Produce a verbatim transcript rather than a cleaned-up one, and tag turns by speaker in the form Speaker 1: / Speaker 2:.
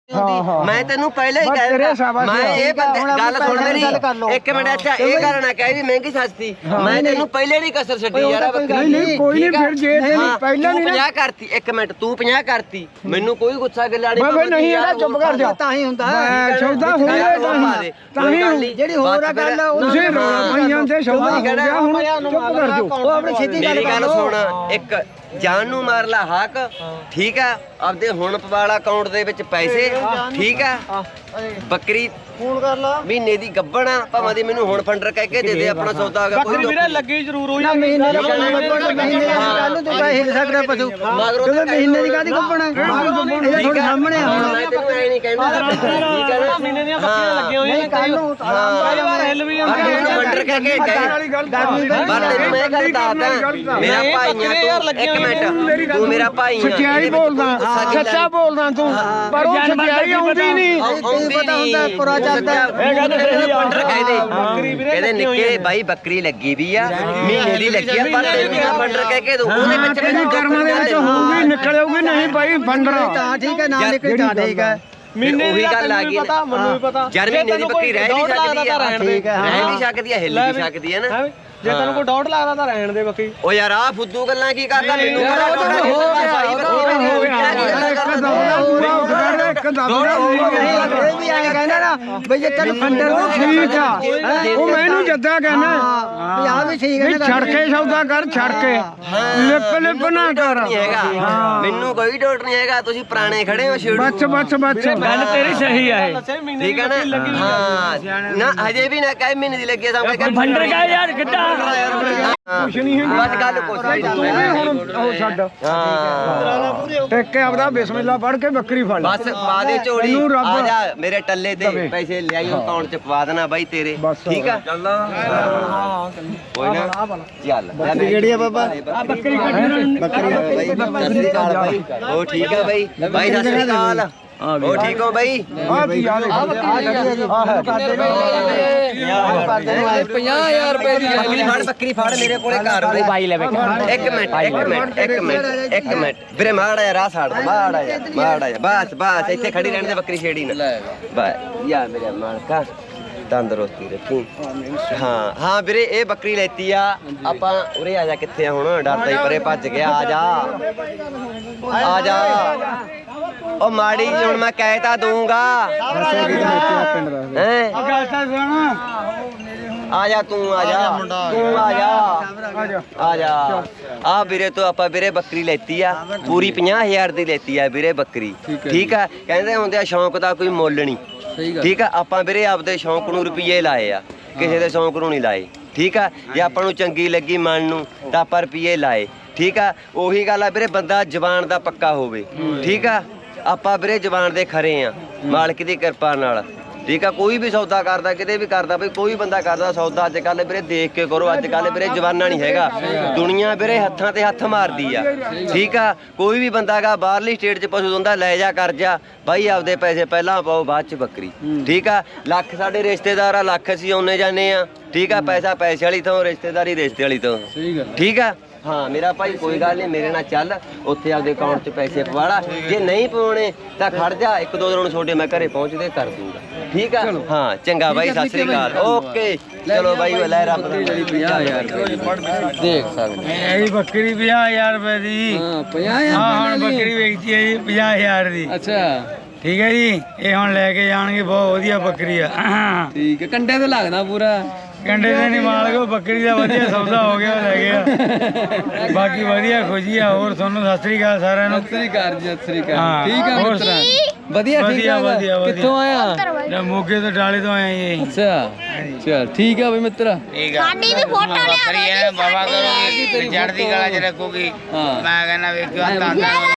Speaker 1: मैं तेनू पहले ही कह रहा मैं ये गल सुन मेरी एक मिनट अच्छा ये गल ना कह भी महंगी सस्ती मैं तेनू पहले नहीं कसर छड्डी यार
Speaker 2: नहीं नहीं कोई नहीं फिर जे पहले नहीं
Speaker 1: पचास करती एक मिनट तू पचास करती मैनू कोई गुस्सा गिला नहीं
Speaker 2: बाबा नहीं ਇਹਦਾ ਚੁੱਪ ਕਰ ਜਾ
Speaker 3: ਤਾਂ ਹੀ ਹੁੰਦਾ
Speaker 2: ਸੌਦਾ ਹੋਇਆ ਤਾਂ ਹੀ
Speaker 3: ਜਿਹੜੀ ਹੋਰ ਆ ਗੱਲ
Speaker 2: ਤੁਸੀਂ ਰੌਲਾ ਪਾਈ ਜਾਂਦੇ ਸੌਦਾ ਹੋ ਗਿਆ ਹੁਣ ਚੁੱਪ ਕਰ ਜਾਓ
Speaker 3: ਉਹ ਆਪਣੀ ਸਿੱਧੀ ਗੱਲ
Speaker 1: ਗੱਲ ਸੁਣ ਇੱਕ ਜਾਨ ਨੂੰ ਮਾਰ ਲਾ ਹੱਕ ਠੀਕ ਆ ਆਪਦੇ ਹੁਣ ਪਵਾਲਾ ਅਕਾਊਂਟ ਦੇ ਵਿੱਚ ਪੈਸੇ ਠੀਕ ਆ ਬੱਕਰੀ
Speaker 3: ਫੋਨ ਕਰ ਲਾ
Speaker 1: ਮਹੀਨੇ ਦੀ ਗੱਬਣ ਆ ਭਾਵੇਂ ਦੀ ਮੈਨੂੰ ਹੁਣ ਫੰਡਰ ਕਹਿ ਕੇ ਦੇ ਦੇ ਆਪਣਾ ਸੌਦਾ ਆ ਗਿਆ ਕੋਈ
Speaker 4: ਵੀਰੇ ਲੱਗੀ ਜ਼ਰੂਰ ਹੋਈ
Speaker 3: ਨਾ ਮਹੀਨੇ ਦੀ ਮਹੀਨੇ ਦੀ ਗੱਲ ਨੂੰ ਤੂੰ ਪੈਸੇ ਸਕਦਾ ਪਸ਼ੂ ਜਦੋਂ ਮਹੀਨੇ ਦੀ ਕਾਦੀ ਗੱਪਣਾ ਇਹ ਤੁਹਾਡੇ ਸਾਹਮਣੇ ਆ ਹੁਣ
Speaker 1: ਮੈਂ ਤੈਨੂੰ ਐ ਨਹੀਂ ਕਹਿੰਦਾ ਠੀਕ ਹੈ ਨਾ
Speaker 4: ਮਹੀਨੇ ਦੀਆਂ ਬੱਕਰੀਆਂ ਲੱਗੀਆਂ ਹੋਈਆਂ
Speaker 3: ਕੱਲ ਨੂੰ
Speaker 4: ਕਈ ਵਾਰ ਹਿੱਲ ਵੀ ਜਾਂਦੀ
Speaker 1: ਮੈਨੂੰ ਫੰਡਰ ਕਹਿ ਕੇ ਗਏ ਪਰ ਤੈਨੂੰ ਮੈਂ ਗੱਲ ਦੱਸਦਾ ਮੇਰਾ ਭਾਈ ਆ ਤੂੰ ਇੱਕ ਮਿੰਟ ਤੂੰ ਮੇਰਾ ਭਾਈ ਆ
Speaker 2: ਸੱਚਾਈ ਬੋਲਦਾ ਸੱਚਾ ਬੋਲਦਾ ਤੂੰ ਪਰ ਉਹ ਸੱਚਾਈ ਆਉਂਦੀ ਨਹੀਂ
Speaker 1: ਆਉਂਦੀ
Speaker 3: ਪਤਾ ਹੁੰਦਾ ਪੁਰਾ ਚੱਲਦਾ
Speaker 4: ਇਹ ਗੱਲ ਸਹੀ ਆ
Speaker 1: ਫੰਡਰ ਕਹਿੰਦੇ ਕਹਿੰਦੇ ਨਿੱਕੇ ਬਾਈ ਬੱਕਰੀ ਲੱਗੀ ਵੀ ਆ ਮਹੀਨੇ ਦੀ ਲੱਗੀ ਆ ਪਰ ਤੈਨੂੰ ਫੰਡਰ ਕਹਿ ਕੇ ਦੂੰ ਉਹਦੇ ਵਿੱਚ
Speaker 2: ਤੇਰੀ ਕਰਮਾਂ ਦੇ ਵਿੱਚ ਹੋਊਗੀ ਨਿਕਲੇਗੀ ਨਹੀਂ ਭਾਈ ਫੰਡਰ
Speaker 3: ਤਾਂ ਠੀਕ ਹੈ ਨਾ ਨਿਕਲ ਤਾਂ ਠੀਕ ਹੈ
Speaker 1: ਮਹੀਨੇ ਉਹੀ ਗੱਲ ਆ ਗਈ
Speaker 4: ਪਤਾ ਮੈਨੂੰ ਵੀ ਪਤਾ
Speaker 1: ਯਾਰ ਮਹੀਨੇ ਦੀ ਬੱਕਰੀ ਰਹਿ ਵੀ ਸਕਦੀ ਆ
Speaker 3: ਠੀਕ ਹੈ
Speaker 1: ਰਹਿ ਵੀ ਸਕਦੀ ਆ ਹਿੱਲ ਵੀ ਸਕਦੀ ਆ ਨਾ
Speaker 4: ਜੇ ਤੈਨੂੰ ਕੋਈ ਡਾਊਟ ਲੱਗਦਾ ਤਾਂ ਰਹਿਣ ਦੇ ਬੱਕਰੀ
Speaker 1: ਓ ਯਾਰ ਆ ਫੁੱਦੂ ਗੱਲਾਂ ਕੀ ਕਰਦਾ ਮੈਨੂੰ
Speaker 2: ਇੱਕ ਦਮ
Speaker 3: ਇਹ ਵੀ ਐਂ ਕਹਿੰਦਾ ਨਾ ਬਈ ਜੇ ਤੈਨੂੰ ਫੰਡਰ ਨੂੰ
Speaker 2: ਠੀਕ ਆ ਉਹ ਮੈਨੂੰ ਜੱਦਾ ਕਹਿੰਦਾ
Speaker 3: ਵੀ ਆ ਵੀ ਠੀਕ ਹੈ
Speaker 2: ਵੀ ਛੜ ਕੇ ਸੌਦਾ ਕਰ ਛੜ ਕੇ ਲਿਪ ਲਿਪ ਨਾ ਕਰ
Speaker 1: ਹੈਗਾ ਮੈਨੂੰ ਕੋਈ ਡਾਊਟ ਨਹੀਂ ਹੈਗਾ ਤੁਸੀਂ ਪੁਰਾਣੇ ਖੜੇ ਹੋ ਛੇੜੂ
Speaker 2: ਬੱਚ ਬੱਚ ਬੱਚ
Speaker 4: ਗੱਲ ਤੇਰੀ ਸਹੀ ਆ ਇਹ
Speaker 1: ਠੀਕ ਹੈ ਨਾ ਹਾਂ ਨਾ ਹਜੇ ਵੀ ਨਾ ਕਾਇ ਮਹੀਨੇ ਦੀ ਲੱਗੀ ਸਾਹਮਣੇ ਕਰ
Speaker 4: ਫੰਡਰ ਕਾ ਯਾਰ ਕਿੱਦਾਂ
Speaker 2: ਕੁਛ ਨਹੀਂ ਹੈਗੀ
Speaker 1: ਬਸ ਗੱਲ ਕੁਛ
Speaker 2: ਤੂੰ ਵੀ ਹੁਣ ਉਹ ਛੱਡ
Speaker 1: ਹਾਂ
Speaker 2: ਟਿਕ ਕੇ ਆਪਦਾ ਬਿਸਮਿਲ੍ਲਾ ਪੜ ਕੇ ਬੱਕਰੀ ਫੜ ਲੈ
Speaker 1: ਬਸ ਪਾ ਦੇ ਝੋਲੀ
Speaker 2: ਤੈਨੂੰ ਰੱਬ
Speaker 1: ਆ ਜਾ ਮੇਰੇ ਟੱਲੇ ਤੇ ਪੈਸੇ ਲਿਆਈ ਅਕਾਊਂਟ ਚ ਪਵਾ ਦੇਣਾ ਬਾਈ ਤੇਰੇ
Speaker 2: ਬਸ।
Speaker 1: ਠੀਕ ਆ ਚੱਲ ਕੋਈ ਨਾ ਚੱਲ
Speaker 3: ਬੱਕਰੀ ਕਿਹੜੀ ਆ ਬਾਬਾ
Speaker 4: ਆ ਬੱਕਰੀ ਕੱਢ
Speaker 1: ਬੱਕਰੀ ਬਾਈ ਸਤਿ ਸ੍ਰੀ ਅਕਾਲ ਬਾਈ ਉਹ ਠੀਕ ਆ ਬਾਈ ਬਾਈ ਸਤਿ ਸ੍ਰੀ ਅਕਾਲ ਉਹ ਠੀਕ ਹੋ ਬਾਈ
Speaker 2: ਆ ਕੀ ਯਾਰ
Speaker 3: ਪੰਜਾਹ ਹਜ਼ਾਰ ਰੁਪਏ ਦੀ
Speaker 1: ਬੱਕਰੀ ਫੜ ਬੱਕਰੀ ਫੜ ਮੇਰੇ ਕੋਲੇ ਘਰ ਬਾਈ ਲੈ ਇੱਕ ਮਿੰਟ ਇੱਕ ਮਿੰਟ ਇੱਕ ਮਿੰਟ ਇੱਕ ਮਿੰਟ ਵੀਰੇ ਮਾੜਾ ਯਾਰ ਆ ਸਾੜ ਮਾੜਾ ਯਾਰ ਮਾੜਾ ਯਾਰ ਬਸ ਬਸ ਇੱਥੇ ਖੜੀ ਰਹਿਣ ਦੇ ਬੱਕਰੀ ਛੇੜੀ ਨਾ ਬਸ ਯਾਰ ਮੇਰੇ ਮਾਲਕਾ ਤੰਦਰੁਸਤੀ ਰੱਖੀ ਹਾਂ ਹਾਂ ਵੀਰੇ ਇਹ ਬੱਕਰੀ ਲੈਤੀ ਆ ਆਪਾਂ ਉਰੇ ਆ ਜਾ ਕਿੱਥੇ ਆ ਹੁਣ ਡਰਦਾ ਹੀ ਪਰੇ ਭੱਜ ਗਿਆ ਆ ਜਾ ਆ ਜਾ ਉਹ ਮਾੜੀ ਜੀ ਹੁਣ ਮੈਂ ਕਹਿ ਤਾਂ ਦੂੰਗਾ ਹੈ ਆ ਜਾ ਤੂੰ ਆ ਜਾ ਤੂੰ ਆ ਜਾ ਆ ਜਾ ਆ ਵੀਰੇ ਤੋਂ ਆਪਾਂ ਵੀਰੇ ਬੱਕਰੀ ਲੈਤੀ ਆ ਪੂਰੀ ਪੰਜਾਹ ਹਜ਼ਾਰ ਦੀ ਲੈਤੀ ਆ ਵੀਰੇ ਬੱਕਰੀ ਠੀਕ ਆ ਕਹਿੰਦੇ ਹੁੰਦੇ ਆ ਸ਼ੌਂਕ ਦਾ ਕੋਈ ਮੁੱਲ ਨਹੀਂ ਠੀਕ ਆ ਆਪਾਂ ਵੀਰੇ ਆਪਦੇ ਸ਼ੌਂਕ ਨੂੰ ਰੁਪਈਏ ਲਾਏ ਆ ਕਿਸੇ ਦੇ ਸ਼ੌਂਕ ਨੂੰ ਨਹੀਂ ਲਾਏ ਠੀਕ ਆ ਜੇ ਆਪਾਂ ਨੂੰ ਚੰਗੀ ਲੱਗੀ ਮਨ ਨੂੰ ਤਾਂ ਆਪਾਂ ਰੁਪਈਏ ਲਾਏ ਠੀਕ ਆ ਉਹੀ ਗੱਲ ਆ ਵੀਰੇ ਬੰਦਾ ਜ਼ਬਾਨ ਦਾ ਪੱਕਾ ਹੋਵੇ ਠੀਕ ਆ ਆਪਾਂ ਵੀਰੇ ਜ਼ਬਾਨ ਦੇ ਖਰੇ ਆ ਮਾਲਕ ਦੀ ਕਿਰਪਾ ਨਾਲ ਠੀਕ ਆ ਕੋਈ ਵੀ ਸੌਦਾ ਕਰਦਾ ਕਿਤੇ ਵੀ ਕਰਦਾ ਬਈ ਕੋਈ ਬੰਦਾ ਕਰਦਾ ਸੌਦਾ ਅੱਜ ਕੱਲ ਵੀਰੇ ਦੇਖ ਕੇ ਕਰੋ ਅੱਜ ਕੱਲ ਵੀਰੇ ਜਵਾਨਾ ਨਹੀਂ ਹੈਗਾ ਦੁਨੀਆ ਵੀਰੇ ਹੱਥਾਂ ਤੇ ਹੱਥ ਮਾਰਦੀ ਆ ਠੀਕ ਆ ਕੋਈ ਵੀ ਬੰਦਾ ਗਾ ਬਾਹਰਲੀ ਸਟੇਟ 'ਚ ਪਸ਼ੂ ਹੁੰਦਾ ਲੈ ਜਾ ਕਰ ਜਾ ਬਾਈ ਆਪਦੇ ਪੈਸੇ ਪਹਿਲਾਂ ਪਾਓ ਬਾਅਦ 'ਚ ਬੱਕਰੀ ਠੀਕ ਆ ਲੱਖ ਸਾਡੇ ਰਿਸ਼ਤੇਦਾਰ ਆ ਲੱਖ ਅਸੀਂ ਆਉਨੇ ਜਾਂਦੇ ਆ ਠੀਕ ਆ ਪੈਸਾ ਪੈਸੇ ਵਾਲੀ ਤੋਂ ਰਿਸ਼ਤੇਦਾਰੀ ਰਿਸ਼ਤੇ ਵਾਲੀ ਤੋਂ ਠੀਕ ਆ ਹਾਂ ਮੇਰਾ ਭਾਈ ਕੋਈ ਗੱਲ ਨਹੀਂ ਮੇਰੇ ਨਾਲ ਚੱਲ ਉੱਥੇ ਆਪਦੇ ਅਕਾਊਂਟ 'ਚ ਪੈਸੇ ਪਵਾਲਾ ਜੇ ਨਹੀਂ ਪਵਾਉਣੇ ਤਾਂ ਖੜ ਜਾ ਇੱਕ ਦੋ ਦਿਨ ਛੋਡੇ ਮੈਂ ਘਰੇ ਪਹੁੰਚਦੇ ਕਰ ਦੂੰਗਾ ਠੀਕ ਆ ਹਾਂ ਚੰਗਾ ਬਾਈ ਸਤਿ ਸ੍ਰੀ ਅਕਾਲ ਓਕੇ ਚਲੋ ਬਾਈ ਲੈ ਰੱਬ ਦਾ
Speaker 3: ਪੰਜਾਹ ਹਜ਼ਾਰ ਦੇਖ ਸਕਦੇ
Speaker 2: ਇਹ ਬੱਕਰੀ ਪੰਜਾਹ ਹਜ਼ਾਰ ਰੁਪਏ ਦੀ
Speaker 3: ਹਾਂ ਪੰਜਾਹ ਹਜ਼ਾਰ
Speaker 2: ਹਾਂ ਹੁਣ ਬੱਕਰੀ ਵੇਚੀ ਹੈ ਜੀ ਪੰਜਾਹ ਹਜ਼ਾਰ ਦੀ
Speaker 3: ਅੱਛਾ
Speaker 2: ਠੀਕ ਹੈ ਜੀ ਇਹ ਹੁਣ ਲੈ ਕੇ ਜਾਣਗੇ ਬਹੁਤ ਵਧੀਆ ਬੱਕਰੀ ਆ
Speaker 3: ਠੀਕ ਹੈ ਕੰਡੇ ਤੇ ਲੱਗਦਾ ਪੂਰਾ
Speaker 2: ਕੰਡੇ ਦੇ ਨਹੀਂ ਮਾਲਕੋ ਬੱਕਰੀ ਦਾ ਵਧੀਆ ਸੌਦਾ ਹੋ ਗਿਆ ਲੈ ਗਿਆ ਬਾਕੀ ਵਧੀਆ ਖੁਸ਼ੀ ਆ ਹੋਰ ਤੁਹਾਨੂੰ ਸਤਿ ਸ੍ਰੀ ਅਕਾਲ ਸਾਰਿਆਂ ਨੂੰ
Speaker 3: ਸਤਿ ਸ੍ਰੀ ਅਕਾਲ ਜੀ ਸਤਿ ਸ੍ਰੀ ਅਕਾਲ
Speaker 2: ਹਾਂ,
Speaker 3: ਠੀਕ ਆ
Speaker 2: ਹੋਰ
Speaker 3: ਮਿੱਤਰਾ ਵਧੀਆ ਠੀਕ
Speaker 2: ਵਧੀਆ
Speaker 3: ਆ
Speaker 2: ਵਧੀਆ ਵਧੀਆ
Speaker 3: ਕਿੱਥੋਂ ਆਇਆ
Speaker 2: ਨਾ ਮੋਗੇ ਤੋਂ ਡਾਲੇ ਤੋਂ ਆਏ ਜੀ
Speaker 3: ਅੱਛਾ ਚਲ ਠੀਕ ਆ ਬਈ ਮਿੱਤਰਾ
Speaker 5: ਸਾਡੀ ਵੀ ਫੋਟੋ ਲਿਆ
Speaker 6: ਬਾਬਾ ਕਰੋਗੀ ਜੜ ਦੀ ਗਲਾ ਚ ਰੱਖੂਗੀ
Speaker 3: ਹਾਂ
Speaker 6: ਮੈਂ ਕਹਿੰਦਾ ਵੇਖਿਓ ਤਾਂ